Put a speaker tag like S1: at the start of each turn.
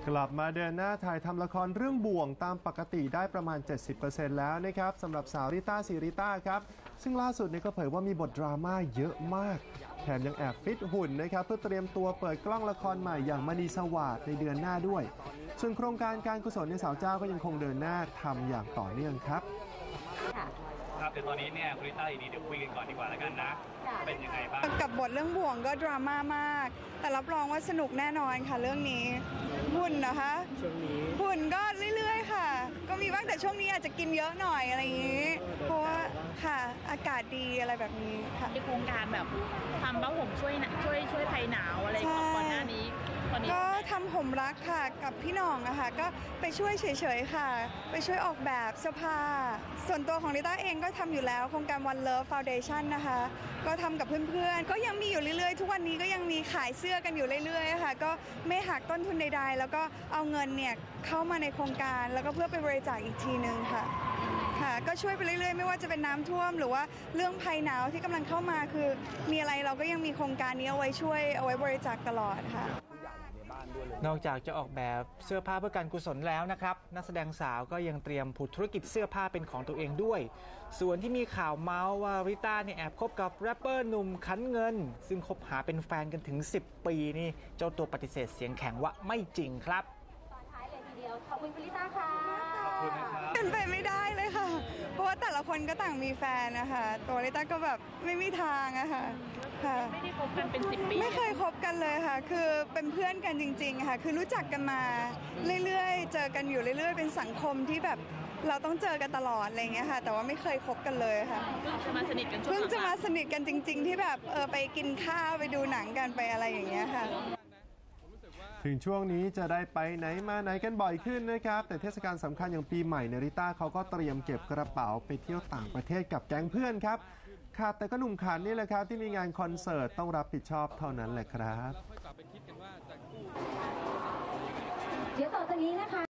S1: กลับมาเดินหน้าถ่ายทำละครเรื่องบ่วงตามปกติได้ประมาณ 70% แล้วนะครับสำหรับสาวริต้าศรีริต้าครับซึ่งล่าสุดนี้ก็เผยว่ามีบทดราม่าเยอะมากแถมยังแอบฟิตหุ่นนะครับเพื่อเตรียมตัวเปิดกล้องละครใหม่อย่างมณีสวาทในเดือนหน้าด้วยส่วนโครงการการกุศลในสาวเจ้าก็ยังคงเดินหน้าทำอย่างต่อเนื่องครับ
S2: ครับเดี๋ยวตอนนี้เนี่ยคุณริต้าเดี๋ยวคุยกันก่อนดีกว่าแล้วกันนะเป็นยังไงบ้าง
S3: กับบทเรื่องบ่วงก็ดราม่ามากแต่รับรองว่าสนุกแน่นอนค่ะเรื่องนี้หุ่นนะคะช่วงนี้หุ่นก็เรื่อยๆค่ะก็มีบ้างแต่ช่วงนี้อาจจะกินเยอะหน่อยอะไรอย่างนี้เพราะว่าค่ะอากาศดีอะไรแบบนี้ค่ะ
S4: ในโครงการแบบทำผ้าห่มช่วยภัยหนาวอะไรก่อนหน้านี้
S3: ก็ทำห่มรักค่ะกับพี่หน่องอะค่ะก็ไปช่วยเฉยๆค่ะไปช่วยออกแบบเสื้อผ้าส่วนตัวของริต้าเองก็ทำอยู่แล้วโครงการ One Love Foundation นะคะก็ทำกับเพื่อนๆก็ยังมีอยู่เรื่อยๆทุกวันนี้ก็ยังมีขายเสื้อกันอยู่เรื่อยๆค่ะก็ไม่หักต้นทุนใดๆแล้วก็เอาเงินเนี่ยเข้ามาในโครงการแล้วก็เพื่อไปบริจาคอีกทีนึงค่ะก็ช่วยไปเรื่อยๆไม่ว่าจะเป็นน้ำท่วมหรือว่าเรื่องภัยหนาวที่กำลังเข้ามาคือมีอะไรเราก็ยังมีโครงการนี้เอาไว้ช่วยเอาไว้บริจาคตลอดค่ะ
S5: นอกจากจะออกแบบเสื้อผ้าเพื่อการกุศลแล้วนะครับนักแสดงสาวก็ยังเตรียมผุดธุรกิจเสื้อผ้าเป็นของตัวเองด้วยส่วนที่มีข่าวเมาส์ว่าริต้าเนี่ยแอบคบกับแรปเปอร์หนุ่มขันเงินซึ่งคบหาเป็นแฟนกันถึง10 ปีนี่เจ้าตัวปฏิเสธเสียงแข็งว่าไม่จริงครับ
S6: ตอนท้ายเลยทีเดียวขอบคุณริต้าค่ะ
S3: เป็นไปไม่ได้เลยค่ะเพราะว่าแต่ละคนก็ต่างมีแฟนนะคะตัวริต้าก็แบบไม่มีทางอะค่ะ
S4: ไม่ได้คบกันเป็น10 ปี
S3: ไม่เคยคบกันเลยค่ะคือเป็นเพื่อนกันจริงๆค่ะคือรู้จักกันมาเรื่อยๆเจอกันอยู่เรื่อยๆเป็นสังคมที่แบบเราต้องเจอกันตลอดอะไรอย่างเงี้ยค่ะแต่ว่าไม่เคยคบกันเลยค่ะ
S4: เพิ่งจะมาสนิท
S3: กันจริงๆที่แบบไปกินข้าวไปดูหนังกันไปอะไรอย่างเงี้ยค่ะ
S1: ถึงช่วงนี้จะได้ไปไหนมาไหนกันบ่อยขึ้นนะครับแต่เทศกาลสำคัญอย่างปีใหม่ริต้าเขาก็เตรียมเก็บกระเป๋าไปเที่ยวต่างประเทศกับแก๊งเพื่อนครับขาดแต่ก็หนุ่มขันนี่แหละครับที่มีงานคอนเสิร์ตต้องรับผิดชอบเท่านั้นแหละครับ
S6: เดี๋ยวต่อจากนี้นะคะ